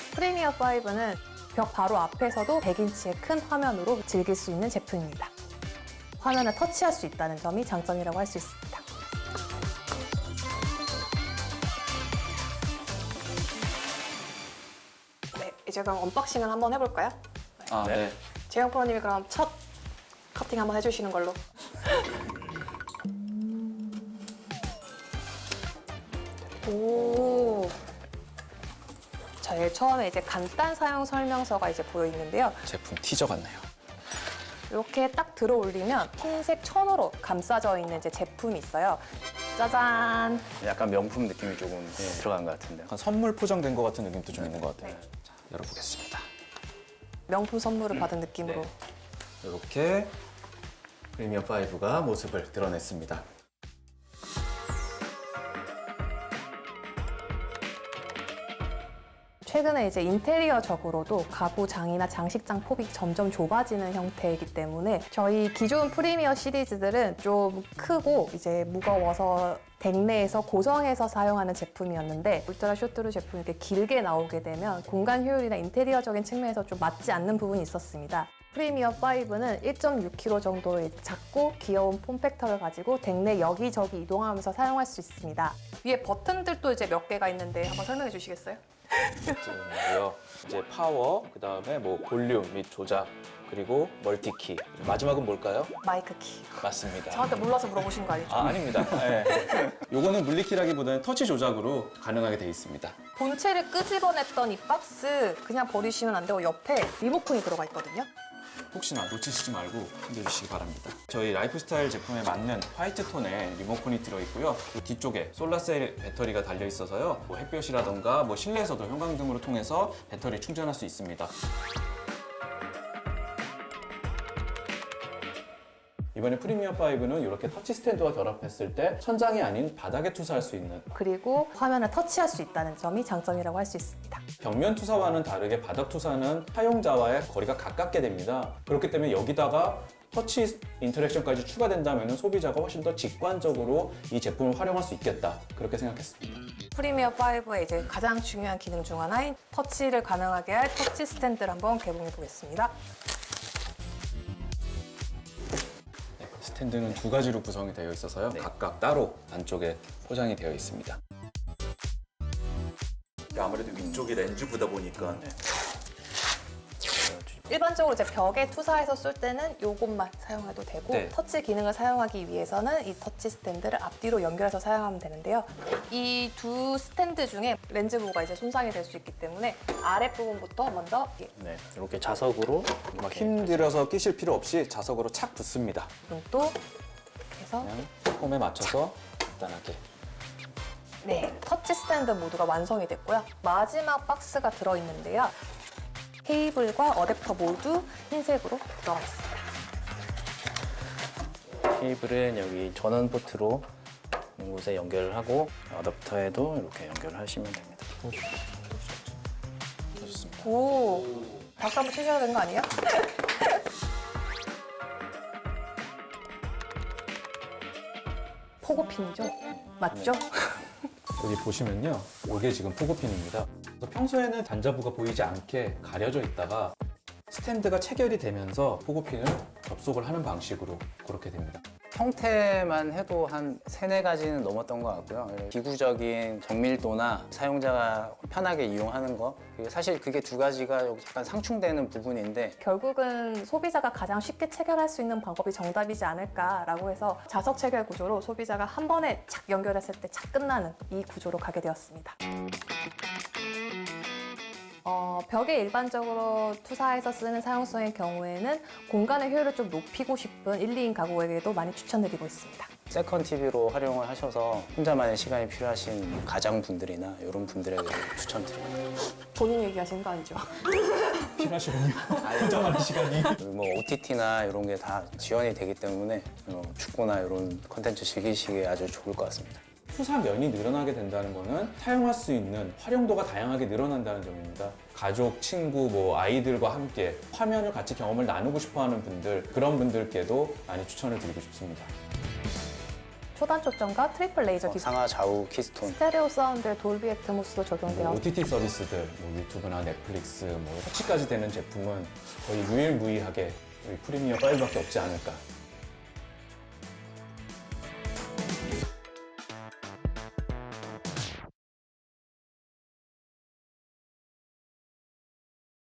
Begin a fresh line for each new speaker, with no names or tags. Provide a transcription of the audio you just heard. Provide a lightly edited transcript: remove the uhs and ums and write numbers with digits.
프리미어 5는 벽 바로 앞에서도 100인치의 큰 화면으로 즐길 수 있는 제품입니다. 화면을 터치할 수 있다는 점이 장점이라고 할 수 있습니다. 네, 이제 그럼 언박싱을 한번 해볼까요?
네.
재영 프로님이 그럼 첫 커팅 한번 해주시는 걸로. 오. 제일 처음에 이제 간단 사용 설명서가 이제 보여 있는데요.
제품 티저 같네요.
이렇게 딱 들어 올리면 흰색 천으로 감싸져 있는 이제 제품이 있어요. 짜잔.
약간 명품 느낌이 조금 들어간 것 같은데요.
약간 선물 포장된 것 같은 느낌도 좀 있는 것 같아요. 자, 열어보겠습니다.
명품 선물을 받은 느낌으로.
이렇게 프리미어 5가 모습을 드러냈습니다.
최근에 이제 인테리어적으로도 가구장이나 장식장 폭이 점점 좁아지는 형태이기 때문에 저희 기존 프리미어 시리즈들은 좀 크고 이제 무거워서 덱 내에서 고정해서 사용하는 제품이었는데 울트라 쇼트루 제품이 이렇게 길게 나오게 되면 공간 효율이나 인테리어적인 측면에서 좀 맞지 않는 부분이 있었습니다. 프리미어 5는 1.6kg 정도의 작고 귀여운 폼팩터를 가지고 덱 내 여기저기 이동하면서 사용할 수 있습니다. 위에 버튼들도 이제 몇 개가 있는데 한번 설명해 주시겠어요?
버튼이고요. 이제 파워, 그 다음에 뭐 볼륨 및 조작, 그리고 멀티키. 마지막은 뭘까요?
마이크 키.
맞습니다.
저한테 몰라서 물어보신 거 아니죠?
아닙니다. 네. 요거는 물리키라기보다는 터치 조작으로 가능하게 돼 있습니다.
본체를 끄집어냈던 이 박스 그냥 버리시면 안 되고 옆에 리모컨이 들어가 있거든요.
혹시나 놓치시지 말고 흔들주시기 바랍니다. 저희 라이프스타일 제품에 맞는 화이트 톤의 리모컨이 들어있고요. 그 뒤쪽에 솔라셀 배터리가 달려있어서요. 뭐 햇볕이라던가 뭐 실내에서도 형광등으로 통해서 배터리 충전할 수 있습니다. 이번에 프리미어 5는 이렇게 터치 스탠드와 결합했을 때 천장이 아닌 바닥에 투사할 수 있는,
그리고 화면을 터치할 수 있다는 점이 장점이라고 할 수 있습니다.
벽면 투사와는 다르게 바닥 투사는 사용자와의 거리가 가깝게 됩니다. 그렇기 때문에 여기다가 터치 인터랙션까지 추가된다면 소비자가 훨씬 더 직관적으로 이 제품을 활용할 수 있겠다, 그렇게 생각했습니다.
프리미어 5의 이제 가장 중요한 기능 중 하나인 터치를 가능하게 할 터치 스탠드를 한번 개봉해 보겠습니다.
스탠드는 두 가지로 구성이 되어 있어서요. 각각 따로 안쪽에 포장이 되어 있습니다.
아무래도 위쪽이 렌즈보다 보니까
일반적으로 이제 벽에 투사해서 쓸 때는 이것만 사용해도 되고
네.
터치 기능을 사용하기 위해서는 이 터치 스탠드를 앞뒤로 연결해서 사용하면 되는데요. 이 두 스탠드 중에 렌즈 부가 이제 손상이 될 수 있기 때문에 아랫부분부터 먼저
네, 이렇게 자석으로
막 힘들어서 끼실 필요 없이 자석으로 착 붙습니다.
또 이렇게 해서
그냥 폼에 맞춰서 간단하게.
네, 터치 스탠드 모두가 완성이 됐고요. 마지막 박스가 들어있는데요. 케이블과 어댑터 모두 흰색으로 들어가 있습니다.
케이블은 여기 전원 포트로 있는 곳에 연결을 하고 어댑터에도 이렇게 연결을 하시면 됩니다.
좋습니다.
오, 박수 한번 치셔야 되는 거 아니에요? 포고핀이죠? 맞죠?
여기 보시면요, 이게 지금 포고핀입니다. 그래서 평소에는 단자부가 보이지 않게 가려져 있다가 스탠드가 체결이 되면서 포고핀을 접속을 하는 방식으로 그렇게 됩니다.
형태만 해도 한 3-4가지는 넘었던 것 같고요. 기구적인 정밀도나 사용자가 편하게 이용하는 거, 사실 그게 2가지가 여기 약간 상충되는 부분인데
결국은 소비자가 가장 쉽게 체결할 수 있는 방법이 정답이지 않을까라고 해서 자석 체결 구조로 소비자가 한 번에 착 연결했을 때 착 끝나는 이 구조로 가게 되었습니다. 벽에 일반적으로 투사해서 쓰는 사용성의 경우에는 공간의 효율을 좀 높이고 싶은 1, 2인 가구에게도 많이 추천드리고 있습니다.
세컨 TV로 활용을 하셔서 혼자만의 시간이 필요하신 가장분들이나 이런 분들에게 추천드립니다.
본인 얘기하시는 거 아니죠?
필요하시군요. 혼자만의 시간이.
뭐 OTT나 이런 게 다 지원이 되기 때문에 축구나 이런 컨텐츠 즐기시기에 아주 좋을 것 같습니다.
투사면이 늘어나게 된다는 거는 사용할 수 있는 활용도가 다양하게 늘어난다는 점입니다. 가족, 친구, 뭐 아이들과 함께 화면을 같이 경험을 나누고 싶어하는 분들, 그런 분들께도 많이 추천을 드리고 싶습니다.
초단 초점과 트리플 레이저 기술,
상하 좌우 키스톤.
스테레오 사운드에 돌비 애트모스도 적용되어
OTT 서비스들, 유튜브나 넷플릭스, 터치까지 되는 제품은 거의 유일무이하게 우리 프리미어 5밖에 없지 않을까